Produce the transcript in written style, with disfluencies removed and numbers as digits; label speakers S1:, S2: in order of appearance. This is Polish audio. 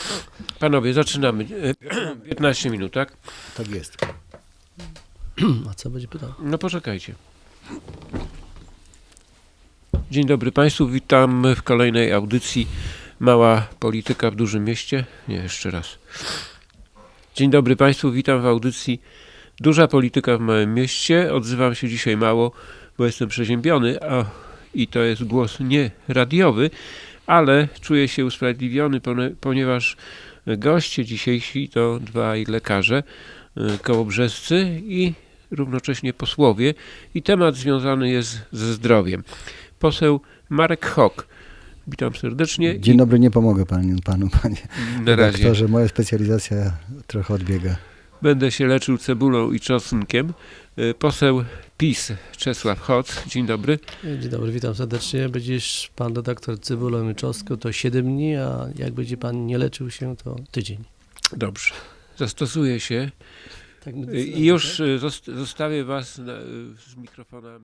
S1: Panowie, zaczynamy. 15 minut, tak?
S2: Tak jest.
S3: A co będzie pytał?
S1: No poczekajcie. Dzień dobry Państwu, witam w kolejnej audycji Mała Polityka w Dużym Mieście. Nie, jeszcze raz. Dzień dobry Państwu, witam w audycji Duża Polityka w Małym Mieście. Odzywam się dzisiaj mało, bo jestem przeziębiony, i to jest głos nie radiowy, ale czuję się usprawiedliwiony, ponieważ goście dzisiejsi to dwaj lekarze kołobrzescy i równocześnie posłowie i temat związany jest ze zdrowiem. Poseł Marek Hok. Witam serdecznie.
S2: Dzień dobry, nie pomogę panu, panie
S1: Na razie.
S2: redaktorze. Moja specjalizacja trochę odbiega.
S1: Będę się leczył cebulą i czosnkiem. Poseł PiS Czesław Hoc. Dzień dobry.
S3: Dzień dobry, witam serdecznie. Będziesz pan redaktor cebulą i czosnką, to 7 dni, a jak będzie pan nie leczył się, to tydzień.
S1: Dobrze. Zastosuję się
S3: Tak
S1: i już zostawię was z mikrofonami.